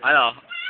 Ano?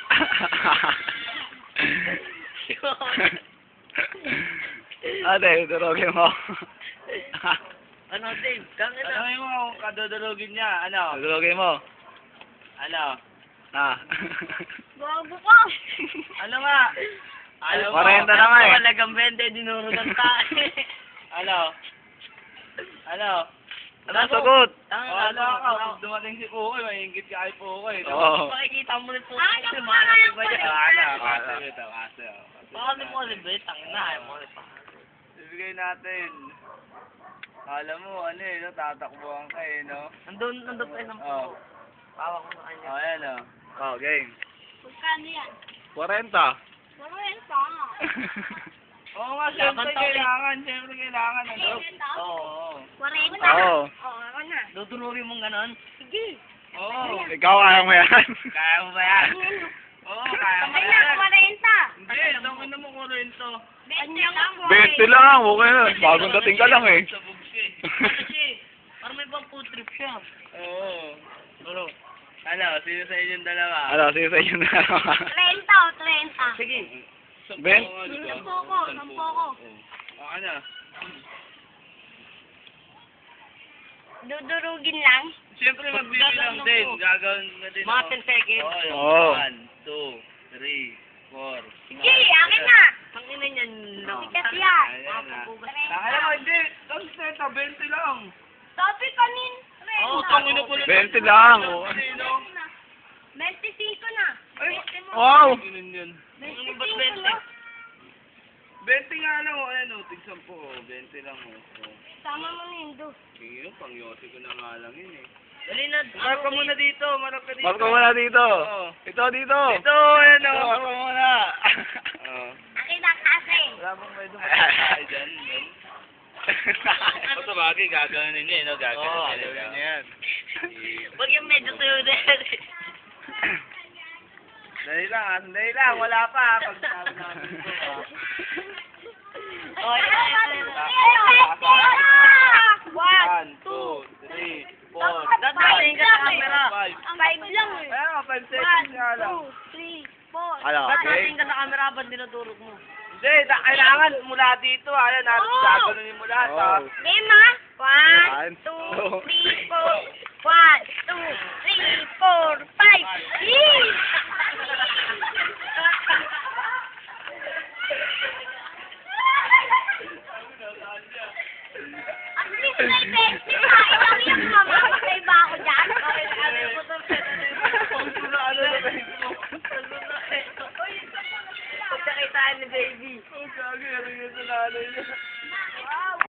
Ate, durugin mo. Ano, Dave? Gangin na. Ano mo kung kadudurugin niya? Ano? Durugin mo. Ano? Ah. Bago ka. Ano nga? Ano mo? 40 na nga eh. Talagang 20, dinuro ng tayo. Ano? Ano? Ano ang sagot? Wala ka. Kung dumating si Pukoy, maingit ka kay Pukoy. Oo. Makikita mo rin po. Ano Kasi ba mahal nga ba niya? Kaso ito, kaso. Baka ni mo rin ba? Tangin na. Ayaw mo rin pa. Ibigay natin. Alam mo, ano eh, no? Tatakbuhan ka eh, no? Nandun pa isang Oo. po. Pawak ko sa kanya. Oh, ayan o. Oh, game. Magkano yan? 40. Maroon pa nga. Oo nga, siyempre kailangan. Siyempre kailangan. Ano? Oo. 40. Oo. Oo, ako na. Dudururin mong ganon? Sige. Oo. Ikaw kaya mo yan. Kaya mo ba yan? Oo, kaya mo Kaya yan. 40. Hindi, tangin na mo ko rin to. 20 lang. 20 lang. Okay na. Bagong dating ka lang eh. Sa bugsi. Kasi, parang may bang food trip siya. Oo. Ano, sino sa inyong dalawa? Ano, sige sa inyo na. 30 o 30. Sige. Ben? Sampo ko, sampo ko. O, ano? Dudurugin lang. Siyempre, magbibigay lang din. Gagawin na din. Mga 10 seconds. Oo. 1, 2, 3, 4. Sige, akin na. Tangin na niyan. Sikat yan. Ayan na. Mapapugas. Kaya mo, hindi. Tapos neta, 20 lang. Sabi kanin. Oo, Utang ina pala. 20 lang. Oo. 25 na. Ay, Wow. ganun yun. Ano ba't 25 20? na. 20 nga lang, o. Ayan, o. Tigsan po, o. 20 lang, o. Sama mo na yun, do. Sige, pang yosi ko na nga lang yun, eh. Dali na. Mark ka muna dito, mark ka dito. Mark ko muna dito. Oo. Ito, dito. Ito, ayan, o. Mark ko muna. Oo. Akin na kasi. Wala bang may dumatay dyan, yan. O, sa bagay, gagawin niya, no? Oo, Gagawin gawin niya. niya yan. Huwag yung medyo tuyo din. Dali lang, ah. Dali lang. Wala pa, ah. Pag sabi namin ito, ah. Oh, One, 1, 2, 3, 4, Dadaling ka sa camera. 5. Ang 5 lang eh. Ayan, 5 seconds nga lang. 2, 3, 4. Ano, okay? Dadaling ka sa camera ba't dinudurog mo? Hindi, kailangan mula dito, ayan, natin Oo. gaganunin mo lahat, ah. Oh. Game ha? 1, 2, 3, 4. 1, 2, 3, 4, 5. Yee! At least may 20 pa. Ilang yung mamamatay ba ako dyan? Pagkakitaan ni baby. Oh, gagi, ano yun sa nanay niya?